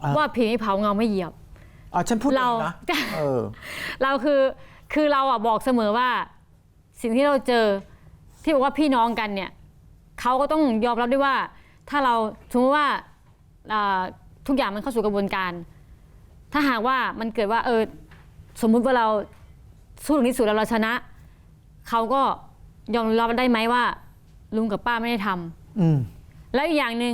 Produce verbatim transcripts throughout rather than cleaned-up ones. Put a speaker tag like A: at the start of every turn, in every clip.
A: ว่าผีไม่เผาเงาไม่เหยียบ
B: อ๋อฉันพูดเรานะเออ
A: เราคือคือเราอ่ะบอกเสมอว่าสิ่งที่เราเจอที่บอกว่าพี่น้องกันเนี่ยเขาก็ต้องยอมรับด้วยว่าถ้าเราสมมติว่าทุกอย่างมันเข้าสู่กระบวนการถ้าหากว่ามันเกิดว่าเออสมมุติว่าเราสู้ถึงที่สุดแล้วเราชนะเขาก็ยอมรับได้ไหมว่าลุงกับป้าไม่ได้ทำแล้วอีกอย่างหนึ่ง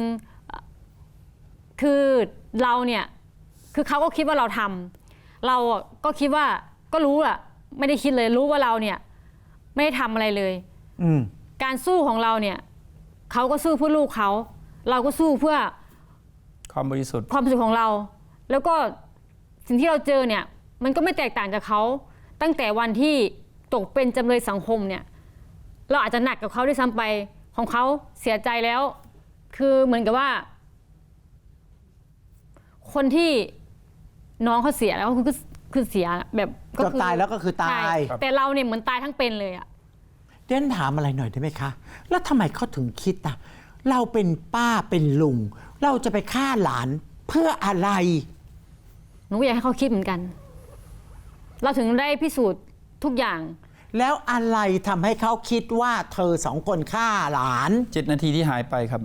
A: คือเราเนี่ยคือเขาก็คิดว่าเราทำเราก็คิดว่าก็รู้อะไม่ได้คิดเลยรู้ว่าเราเนี่ยไม่ได้ทำอะไรเลยการสู้ของเราเนี่ยเขาก็สู้เพื่อลูกเขาเราก็สู้เพื่อ
C: ความบริสุทธิ์
A: ความบริสุทธิ์ของเราแล้วก็สิ่งที่เราเจอเนี่ยมันก็ไม่แตกต่างจากเขาตั้งแต่วันที่ตกเป็นจำเลยสังคมเนี่ยเราอาจจะหนักกับเขาด้วยซ้ำไปของเขาเสียใจแล้วคือเหมือนกับว่าคนที่น้องเขาเสียแล้วคือคือเสียแบบ
B: ก็คือตายแล้วก็คือตาย
A: แต่เราเนี่ยเหมือนตายทั้งเป็นเลยอะ
B: เด่นถามอะไรหน่อยได้ไหมคะแล้วทำไมเขาถึงคิดอะเราเป็นป้าเป็นลุงเราจะไปฆ่าหลานเพื่ออะไร
A: หนูอยากให้เขาคิดเหมือนกันเราถึงได้พิสูจน์ทุกอย่าง
B: แล้วอะไรทำให้เขาคิดว่าเธอสองคนฆ่าหลาน
C: เจ็ดนาทีที่หายไปครับ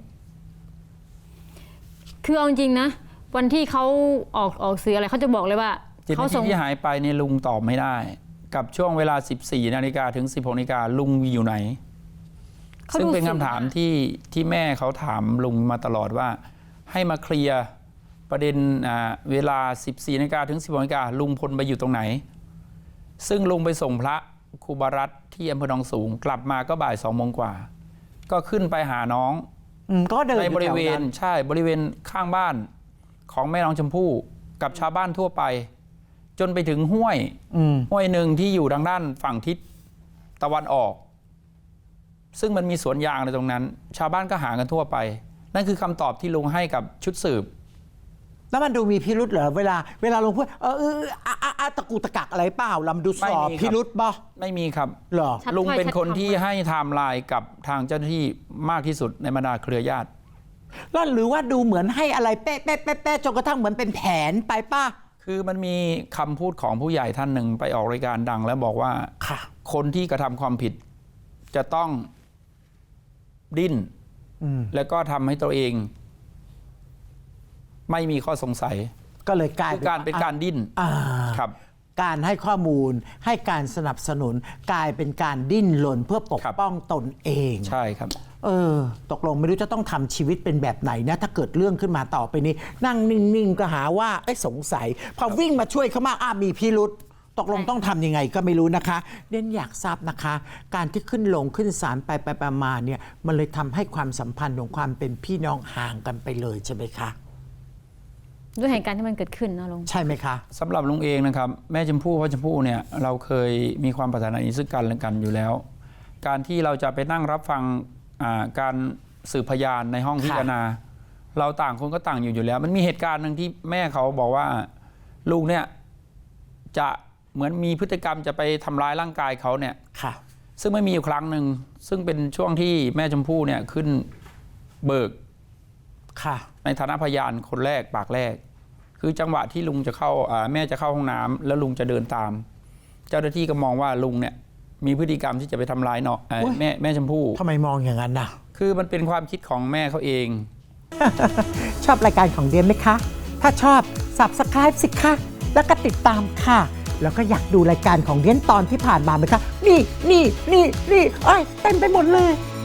A: คือเอาจริงนะวันที่เขาออกออกสื่ออะไรเขาจะบอกเลยว่า
C: เจ็ดนาทีที่หายไปเนี่ยลุงตอบไม่ได้กับช่วงเวลาสิบสี่นาฬิกาถึงสิบหกนาฬิกาลุงอยู่ไหนซึ่งเป็นคำถามที่ที่แม่เขาถามลุงมาตลอดว่าให้มาเคลียร์ประเด็นเวลาสิบสี่นาฬิกาถึงสิบหกนาฬิกาลุงพลไปอยู่ตรงไหนซึ่งลุงไปส่งพระครูบารัตน์ที่อำเภอหนองสูงกลับมาก็บ่ายสองโมงกว่าก็ขึ้นไปหาน้องในบริเวณใช่บริเวณข้างบ้านของแม่น้องชมพู่กับชาวบ้านทั่วไปจนไปถึงห้วยห้วยหนึ่งที่อยู่ทางด้านฝั่งทิศตะวันออกซึ่งมันมีสวนยางในตรงนั้นชาวบ้านก็หากันทั่วไปนั่นคือคำตอบที่ลุงให้กับชุดสืบ
B: แล้วมันดูมีพิรุธเหรอเวลาเวลาลุงพูดเออเอออะตะกูตะกักอะไรเปล่าลำดูสอบพิรุธบ่
C: ไม่มีครับ
B: หรอ
C: ลุงเป็นคนที่ให้ไทม์ไลน์กับทางเจ้าหน้าที่มากที่สุดในบรรดาเครือญาติ
B: แล้วหรือว่าดูเหมือนให้อะไรเป๊ะเป๊ะเป๊ะเป๊ะจนกระทั่งเหมือนเป็นแผนไปป่ะ
C: คือมันมีคำพูดของผู้ใหญ่ท่านหนึ่งไปออกรายการดังแล้วบอกว่าคนที่กระทำความผิดจะต้องดิ้นแล้วก็ทำให้ตัวเองไม่มีข้อสงสัย
B: ก็เลยกลาย
C: เป็นการเป็นการดิ้นครับ
B: การให้ข้อมูลให้การสนับสนุนกลายเป็นการดิ้นรนเพื่อปกป้องตนเอง
C: ใช่ครับ
B: เออตกลงไม่รู้จะต้องทำชีวิตเป็นแบบไหนนะถ้าเกิดเรื่องขึ้นมาต่อไปนี้นั่งนิ่งๆก็หาว่าไอ้สงสัยพอวิ่งมาช่วยเขามาอ้ามีพิรุธตกลงต้องทำยังไงก็ไม่รู้นะคะเด่นอยากทราบนะคะการที่ขึ้นลงขึ้นศาลไปไปมาเนี่ยมันเลยทำให้ความสัมพันธ์ของความเป็นพี่น้องห่างกันไปเลยใช่ไหมคะ
A: ด้วยเหตุการณ์ที่มันเกิดขึ้นนะลุง
B: ใช่ไหมคะ
C: สำหรับลุงเองนะครับแม่ชมพู่พ่อชมพู่เนี่ยเราเคยมีความปรารถนาดีซึ่งกันและกันอยู่แล้วการที่เราจะไปนั่งรับฟังการสืบพยานในห้องพิจารณาเราต่างคนก็ต่างอยู่อยู่แล้วมันมีเหตุการณ์หนึ่งที่แม่เขาบอกว่าลุงเนี่ยจะเหมือนมีพฤติกรรมจะไปทำร้ายร่างกายเขาเนี่ยซึ่งไม่มีอยู่ครั้งหนึ่งซึ่งเป็นช่วงที่แม่ชมพู่เนี่ยขึ้นเบิกในฐานะพยานคนแรกปากแรกคือจังหวะที่ลุงจะเข้าแม่จะเข้าห้องน้ำแล้วลุงจะเดินตามเจ้าหน้าที่ก็มองว่าลุงเนี่ยมีพฤติกรรมที่จะไปทำร้ายเนาะแม่แม่ชมพู่
B: ทำไมมองอย่างนั้นนะ
C: คือมันเป็นความคิดของแม่เขาเอง
B: ชอบรายการของเดียนไหมคะถ้าชอบ Subscribe สิคะแล้วก็ติดตามค่ะแล้วก็อยากดูรายการของเดียนตอนที่ผ่านมาไหมคะนี่นี่นี่นี่เอ้ยเต็มไปหมดเลย